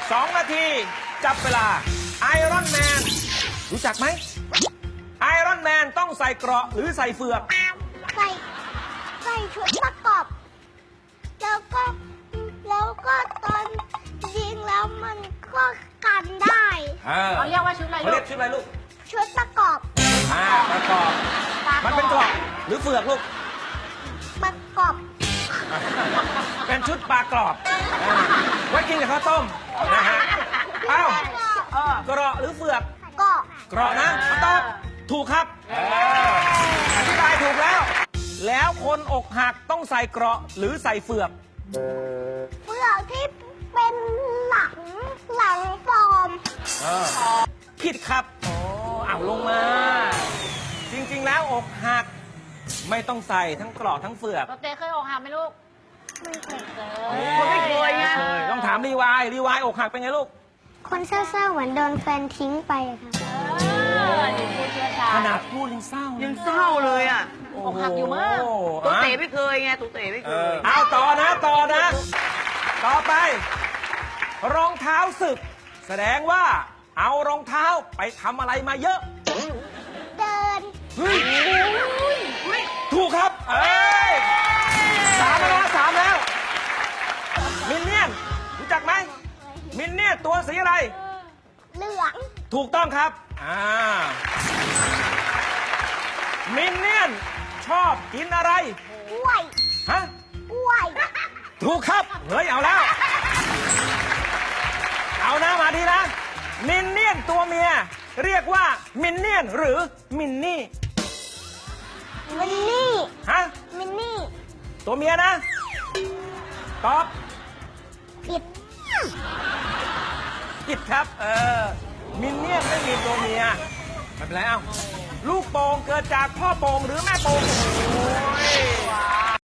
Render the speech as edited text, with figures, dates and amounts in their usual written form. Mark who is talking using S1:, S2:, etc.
S1: 2 นาที จับเวลาไอรอนแมนรู้จักไหมไอรอนแมนต้องใส่เกราะหรือใส่เฟือก
S2: ใส่ชุดประกอบแล้วก็ตอนยิงแล้วมันก็กันได้
S3: เขาเรียกว่าชุดอะไร
S1: เขา
S3: ลู
S1: เรีย
S3: ก
S1: กชุดอะไรลูก
S2: ชุดประกอบ
S1: ประกอบมันเป็นเกราะหรือเฟือกลูก
S2: ประกอบ
S1: เป็นชุดปลากรอบไว้กินกับข้าวต้มนะฮะเอ้าเกราะหรือเฟือก
S2: ก็
S1: เกราะนะคำตอบถูกครับอธิบายถูกแล้ว แล้วคนอกหักต้องใส่เกราะหรือใส่เฟือก
S2: เฟือกที่เป็นหลังปลอม
S1: ผิดครับเอาลงมา จริงๆแล้วอกหักไม่ต้องใส่ทั้งเกราะทั้งเฟือก
S3: เราเต้เคยอกหักไหมลูก
S2: ไม่เคย
S3: คนไม่เคยไง
S1: ต้องถามรีวายอกหักเป็นไงลูก
S2: คนเศร้าๆเหมือนโดนแฟนทิ้งไปครับ
S3: ดูผู้เชี่ยวชา
S1: ข
S3: ญ
S1: นาดพูดยังเศร้า
S4: ยั
S1: ยัง
S4: เศร้าเลยอ่ะ
S3: อกหักอยู่มาก
S4: ตุ๊เต๋ไม่เคยไงตุ๊เต๋ไม่เคย
S1: เอาต่อนะ ต่อไป รองเท้าศึก แสดงว่าเอารองเท้าไปทำอะไรมาเยอะ
S2: เดิน
S1: เฮ้ยถูกครับ 3 แล้ว มินเนี่ยนรู้จักไหมมินเนี่ยนตัวสีอะไร
S2: เหลือง
S1: ถูกต้องครับมินเนี่ยนชอบกินอะไร
S2: กล้วย
S1: ฮะ
S2: กล้วย
S1: ถูกครับเฮ้ยเอาแล้ว เอานะมาดีนะ มินเนี่ยนตัวเมีย เรียกว่ามินเนี่ยนหรือมินนี่
S2: มินนี่
S1: ฮะ
S2: มินนี่
S1: ตัวเมียนะ ตอบ
S2: ผิด
S1: ผิดครับมินเนี่ยนไม่มีตัวเมียไม่เป็นไรเอ้าลูกโป่งเกิดจากพ่อโป่งหรือแม่โป่ง